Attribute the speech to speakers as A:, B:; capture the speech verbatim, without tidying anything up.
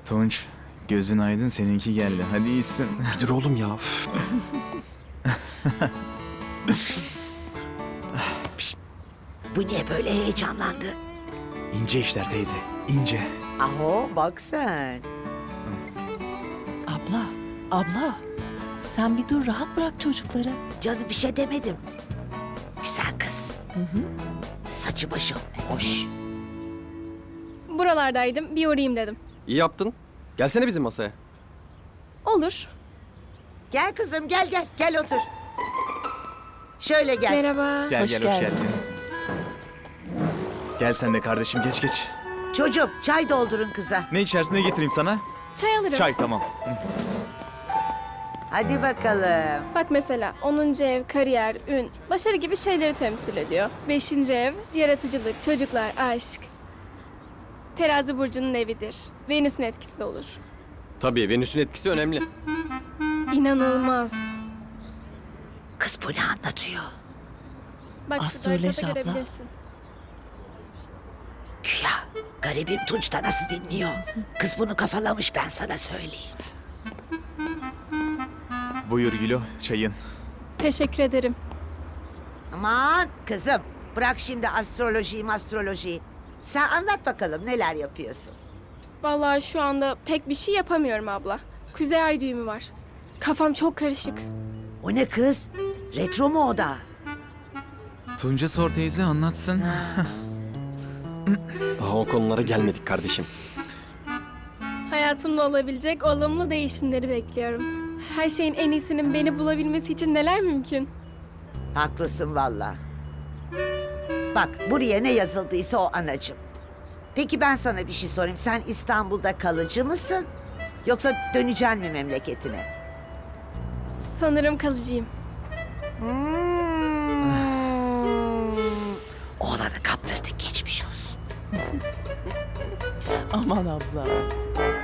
A: Tunç, gözün aydın, seninki geldi. Hadi iyisin.
B: Bir dur oğlum ya. Üf.
C: Bu niye böyle heyecanlandı?
A: İnce işler teyze, ince.
C: Aho bak sen.
D: Abla, abla. Sen bir dur, rahat bırak çocukları.
C: Canım bir şey demedim. Güzel kız. Saçı başı hoş.
E: Buralardaydım, bir uğrayayım dedim.
B: İyi yaptın. Gelsene bizim masaya.
E: Olur.
C: Gel kızım gel gel gel otur. Şöyle gel.
E: Merhaba.
A: Gel
D: Hoş
A: gel, hoş
D: geldin.
A: geldin. Gel sen de kardeşim, geç geç.
C: Çocuğum çay doldurun kıza.
A: Ne içersin, ne getireyim sana?
E: Çay alırım.
A: Çay, tamam.
C: Hadi bakalım.
E: Bak mesela onuncu ev, kariyer, ün, başarı gibi şeyleri temsil ediyor. Beşinci ev, yaratıcılık, çocuklar, aşk. Terazi burcunun evidir. Venüs'ün etkisi de olur.
B: Tabii Venüs'ün etkisi önemli.
E: İnanılmaz.
C: Kız bu ne anlatıyor?
E: Bak şu
D: Astroloji
E: haritada
D: abla.
E: görebilirsin.
C: Güya garibim Tunç da nasıl dinliyor? Kız bunu kafalamış ben sana söyleyeyim.
A: Buyur Gülo, çayın.
E: Teşekkür ederim.
C: Aman kızım bırak şimdi astrolojiyi astrolojiyi. Sen anlat bakalım neler yapıyorsun.
E: Vallahi şu anda pek bir şey yapamıyorum abla. Kuzey ay düğümü var. Kafam çok karışık.
C: O ne kız? Retro mu o da?
A: Tunca sor teyze, anlatsın.
B: Daha o konulara gelmedik kardeşim.
E: Hayatımda olabilecek olumlu değişimleri bekliyorum. Her şeyin en iyisinin beni bulabilmesi için neler mümkün?
C: Haklısın valla. Bak buraya ne yazıldıysa o anacığım. Peki ben sana bir şey sorayım. Sen İstanbul'da kalıcı mısın? Yoksa döneceksin mi memleketine?
E: Sanırım kalıcıyım.
C: Hmm. Oğlanı kaptırdık geçmiş olsun.
D: Aman abla.